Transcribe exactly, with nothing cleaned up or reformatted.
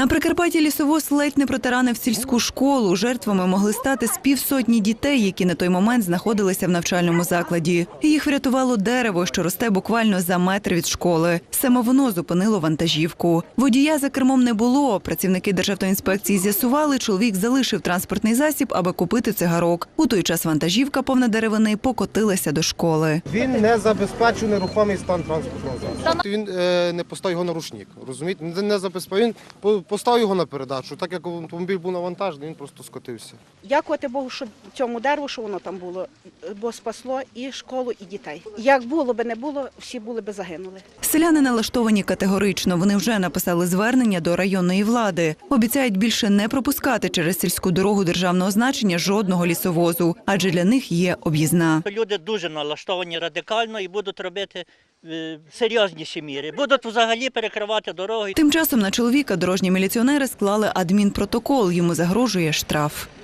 На Прикарпатті лісовоз ледь не протаранив сільську школу. Жертвами могли стати з півсотні дітей, які на той момент знаходилися в навчальному закладі. Їх врятувало дерево, що росте буквально за метр від школи. Саме воно зупинило вантажівку. Водія за кермом не було. Працівники Державтоінспекції з'ясували, чоловік залишив транспортний засіб, аби купити цигарок. У той час вантажівка, повна деревини, покотилася до школи. Він не забезпечив нерухомий стан транспортного засобу. Він е, не поставив його на рушник, розумієте? Він не забезпечив, він поставив його на передачу. Так як автомобіль був навантажений, він просто скотився. Дякувати Богу, що цьому дереву, що воно там було, бо спасло і школу, і дітей. Як було би не було, всі були би загинули. Селяни налаштовані категорично. Вони вже написали звернення до районної влади. Обіцяють більше не пропускати через сільську дорогу державного значення жодного лісовозу, адже для них є об'їзна. Люди дуже налаштовані радикально і будуть робити серйозніші міри. Будуть взагалі перекривати дороги. Тим часом на чоловіка дорожні міліціонери склали адмінпротокол. Йому загрожує штраф.